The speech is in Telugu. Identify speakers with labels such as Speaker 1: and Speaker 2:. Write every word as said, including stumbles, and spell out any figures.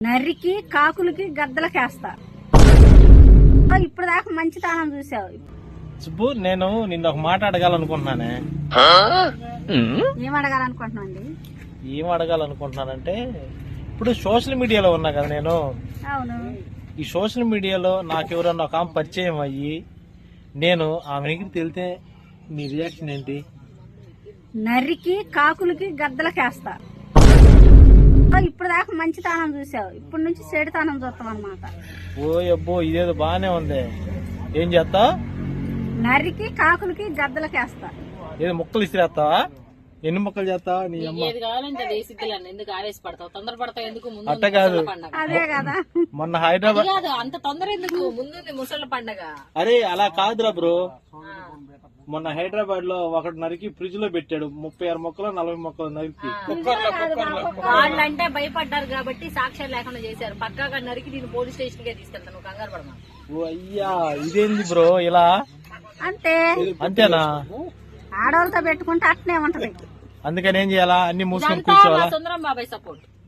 Speaker 1: నరికి కాకులకి గద్దలకేస్తా. ఇప్పుడు దాకా మంచి తానం చూసావు.
Speaker 2: సుబ్బు, నేను నిన్న ఒక మాట అడగాలనుకుంటున్నానే.
Speaker 1: ఏం అడగాలనుకుంటున్నావు అండి?
Speaker 2: ఏం అడగాలనుకుంటున్నానంటే, ఇప్పుడు సోషల్ మీడియాలో ఉన్నా కదా నేను.
Speaker 1: అవును.
Speaker 2: ఈ సోషల్ మీడియాలో నాకు ఎవరన్నా ఒక ఆమె పరిచయం అయ్యి నేను ఆమె దగ్గరికి వెళ్తే నీ రియాక్షన్ ఏంటి?
Speaker 1: నరికి కాకులకి గద్దలకేస్తా. ఇప్పుడు దాకా మంచి తానం చూసావు, ఇప్పుడు నుంచి చెడు తానం చూస్తాం అనమాట.
Speaker 2: ఓ అబ్బో, ఇదేదో బాగానే ఉంది. ఏం చేస్తావు?
Speaker 1: నరికి కాకులకి గద్దలకేస్తా.
Speaker 2: ఏదో ముక్కలు ఇసిరేస్తావా? ఎన్ని ముక్కలు చేస్తావా? నీ అమ్మ
Speaker 3: ఎందుకు ఆవేశపడతావు, తొందరపడతావు ఎందుకు?
Speaker 2: అట్ట కాదు,
Speaker 1: అదే కదా.
Speaker 2: మొన్న హైదరాబాద్
Speaker 3: అంత తొందర ఎందుకు? ముందు ముసళ్ళ పండగ.
Speaker 2: అరే అలా కాదురా బ్రో, మొన్న హైదరాబాద్ లో ఒకటి నరికి ఫ్రిడ్జ్ లో పెట్టాడు. ముప్పై ఆరు మొక్కలు నలభై మొక్కలు నరికి.
Speaker 3: వాళ్ళంటే భయపడ్డారు కాబట్టి సాక్ష్యాలు లేకుండా చేశారు. పక్కాగా నరికి నేను పోలీస్ స్టేషన్ కే తీసుకెళ్తాను, కంగారు పడమా.
Speaker 2: ఓ అయ్యా, ఇదేంది బ్రో ఇలా?
Speaker 1: అంతే
Speaker 2: అంతేనా?
Speaker 1: ఆడవాళ్ళతో పెట్టుకుంటే అట్నే ఉంటది.
Speaker 2: అందుకని ఏం చేయాలా? అన్ని మూసుకొని కూర్చోవాలా?
Speaker 3: సుందరం బాబాయ్ సపోర్ట్.